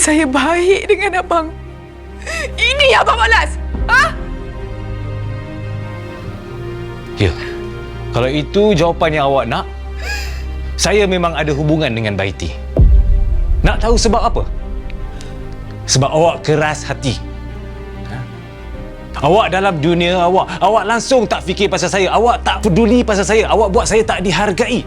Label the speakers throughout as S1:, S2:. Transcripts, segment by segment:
S1: saya baik dengan abang. Ini abang balas. Ha?
S2: Ya. Kalau itu jawapan yang awak nak, saya memang ada hubungan dengan Baiti. Nak tahu sebab apa? Sebab awak keras hati. Awak dalam dunia awak langsung tak fikir pasal saya. Awak tak peduli pasal saya. Awak buat saya tak dihargai.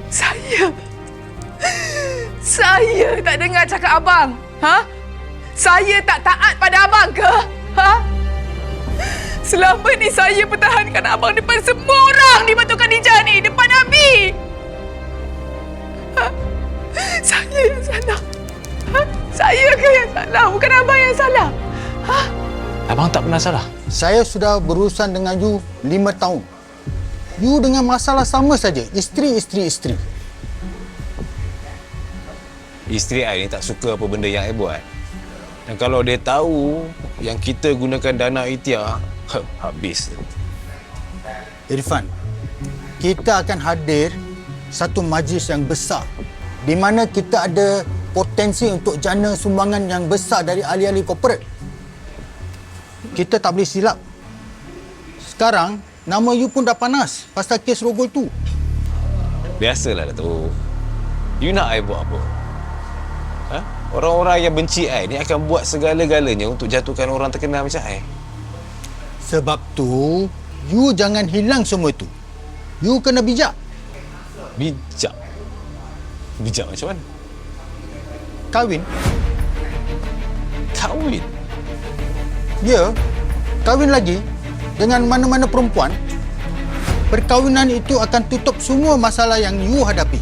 S1: Saya tak dengar cakap abang. Ha? Saya tak taat pada abang ke? Ha? Selama ni saya pertahankan abang depan semua orang di Batu Khadijah ni, depan Abi. Ha? Saya yang salah. Ha? Saya ke yang salah? Bukan abang yang salah. Ha?
S2: Abang tak pernah salah.
S3: Saya sudah berurusan dengan you 5 tahun. You dengan masalah sama saja. Isteri.
S2: Isteri I ni tak suka apa benda yang I buat. Dan kalau dia tahu yang kita gunakan dana Itia, habis.
S3: Irfan, kita akan hadir satu majlis yang besar di mana kita ada potensi untuk jana sumbangan yang besar dari ahli-ahli korporat. Kita tak boleh silap. Sekarang, nama you pun dah panas pasal kes rogol tu.
S2: Biasalah, Datuk. You nak I buat apa? Ha? Orang-orang yang benci I ni akan buat segala-galanya untuk jatuhkan orang terkenal macam I.
S3: Sebab tu, you jangan hilang semua tu. You kena bijak.
S2: Bijak? Bijak macam mana?
S3: Kahwin.
S2: Kahwin?
S3: Ya, kahwin lagi dengan mana-mana perempuan. Perkahwinan itu akan tutup semua masalah yang you hadapi.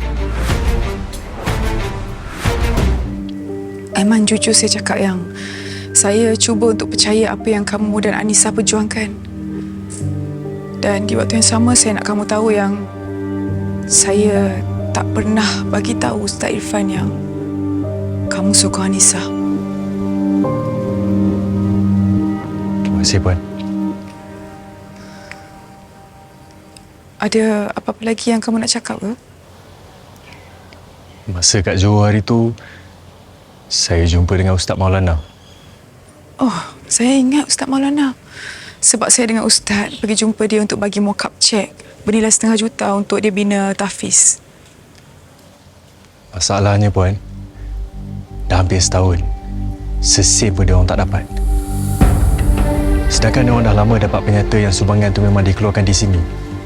S1: Aiman, jujur saya cakap yang saya cuba untuk percaya apa yang kamu dan Anissa perjuangkan. Dan di waktu yang sama saya nak kamu tahu yang saya tak pernah bagi tahu Ustaz Irfan yang kamu sokong Anissa.
S4: Terima kasih, Puan.
S1: Ada apa-apa lagi yang kamu nak cakap ke?
S4: Masa kat Johor hari tu, saya jumpa dengan Ustaz Maulana.
S1: Oh, saya ingat Ustaz Maulana. Sebab saya dengan Ustaz pergi jumpa dia untuk bagi mock-up cek bernilai RM500,000 untuk dia bina tahfiz.
S4: Masalahnya, Puan, dah hampir setahun. Sesen pun dia orang tak dapat. Sedangkan dia orang dah lama dapat penyata yang sumbangan tu memang dikeluarkan di sini.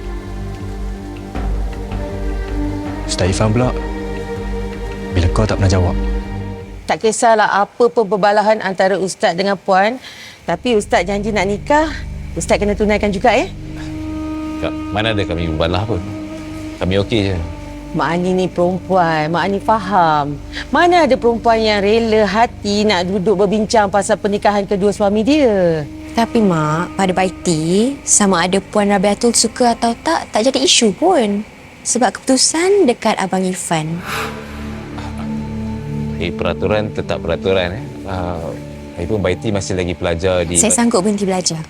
S4: Ustaz Irfan pula, bila kau tak pernah jawab.
S5: Tak kisahlah apa perbalahan antara Ustaz dengan Puan, tapi Ustaz janji nak nikah, Ustaz kena tunaikan juga ya.
S2: Kak, mana ada kami berbalah pun. Kami okey je.
S5: Mak Ani ni perempuan, Mak Ani faham. Mana ada perempuan yang rela hati nak duduk berbincang pasal pernikahan kedua suami dia.
S6: Tapi Mak, pada Baiti, sama ada Puan Rabiatul suka atau tak jadi isu pun. Sebab keputusan dekat Abang Irfan.
S2: Peraturan tetap peraturan. Lagipun Baiti masih lagi pelajar di...
S6: Saya sanggup berhenti belajar.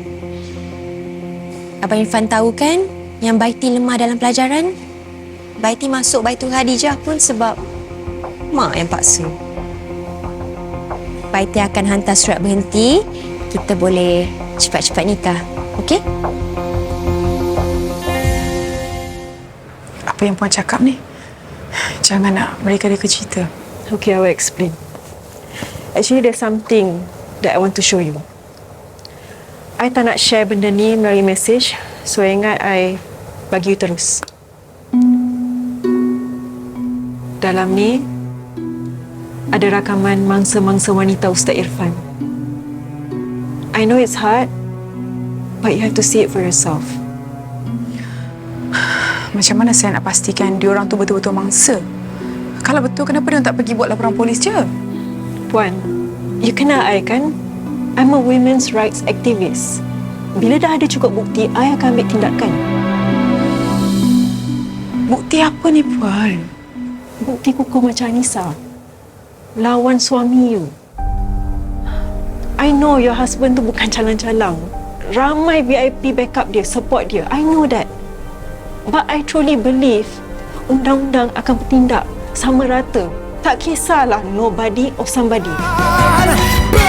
S6: Abang Irfan tahu kan yang Baiti lemah dalam pelajaran? Baiti masuk Baitul Khadijah pun sebab Mak yang paksa. Baiti akan hantar surat berhenti. Kita boleh cepat-cepat nikah. Okey?
S1: Apa yang Puan cakap ni? Jangan nak mereka-reka cerita.
S7: Okay, I will explain. Actually, there's something that I want to show you. I tak nak share benda ni melalui mesej, so ingat I bagi you terus. Dalam ni, ada rakaman mangsa-mangsa wanita Ustaz Irfan. I know it's hard, but you have to see it for yourself.
S1: Macam mana saya nak pastikan diorang tu betul-betul mangsa? Kalau betul, kenapa dia tak pergi buat laporan polis je?
S7: Puan, you kenal I kan? I'm a women's rights activist. Bila dah ada cukup bukti, I akan ambil tindakan.
S1: Bukti apa ni, Puan?
S7: Bukti kukuh macam Anissa. Lawan suami you. I know your husband tu bukan calang-calang. Ramai VIP backup dia, support dia. I know that. But I truly believe undang-undang akan bertindak sama rata. Tak kisahlah nobody or somebody.